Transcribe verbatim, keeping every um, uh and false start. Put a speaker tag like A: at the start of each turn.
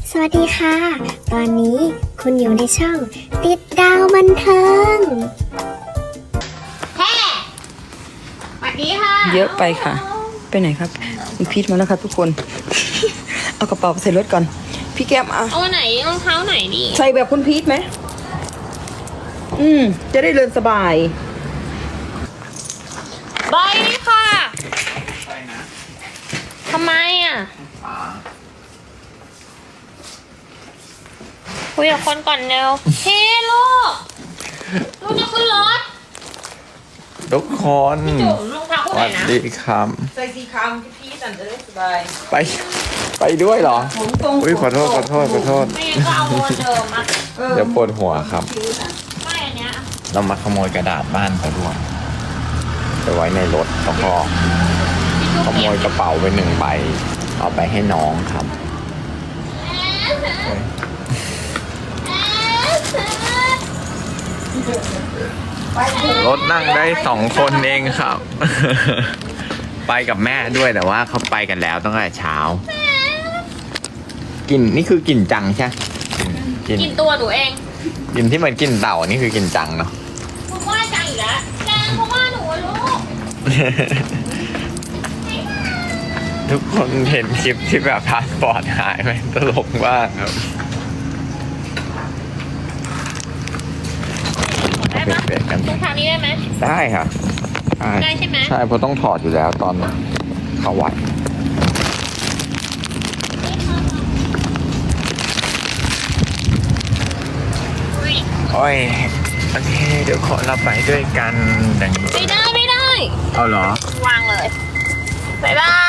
A: สวัสดีค่ะ ตอนนี้คุณอยู่ในช่องติดดาวบันเทิงแฮ่สวัสดีค่ะ
B: เยอะไปค่ะ ไปไหนครับคุณพีทมาแล้วครับทุกคน เอากระเป๋าใส่รถก่อน พี่แก้มอ่ะ
C: เอาไหนรองเท้าไหนดี
B: ใส่แบบคุณพีทไหม อืม จะได้เดินสบาย
C: บายนี่ค่ะทำไมอ่ะคุยกับคนก่อนเร็วเฮ้ลูกลูกจะขึ้นรถ
D: ทุกคน
C: จุ๋มรองเท้า
D: ส
C: คู่ไหน
D: วัส
C: นะ
D: ดีครับ
B: ใส่สีคำพี่พีทจะได้สบาย
D: ไปไปด้วยเหรอ
B: ผมตรง
D: อุ้ยขอโทษขอโทษขอโทษ
C: ไม่งั้นก็เอาโมเดิมอ่ะ
D: เดี๋ยวปวดหัวครับ
C: ไม่อันเนี้ย
D: เรามาขโมยกระดาษบ้านเขาด้วยไปไว้ในรถแล้วก็
C: พี่จุ๋
D: ข
C: ม
D: โมยกระเป๋าไปหนึ่งใบ เอาไปให้น้องครับรถนั่งได้สองคนเองครับ ไปกับแม่ด้วยแต่ว่าเขาไปกันแล้วตั้งแต่เช้ากลิ่นนี่คือกลิ่นจังใช่กลิ่น
C: กินตัวหนูเอง
D: กลิ่นที่เหมือนกลิ่นเต่านี่คือกลิ่นจังเนาะ
C: ผมว่าจังอีกแล้วแกเพราะว่าหนูอะลูก
D: ทุกคนเห็นคลิปที่แบบพาสปอร์ตหายไหมตลกมากครับ
C: ได้ปะ
D: เปลี่ยนๆกัน
C: รองเท้านี้ได้ไหม
D: ได้ค่ะ
C: ได้ใช่ไหม
D: ใช่เพราะต้องถอดอยู่แล้วตอนเข้าวัดโอ้ยโอเคเดี๋ยวขอเราไปด้วยกันดัง
C: ไม่ได้ไม่ได้
D: เอาเหรอ
C: วางเลยบ๊ายบาย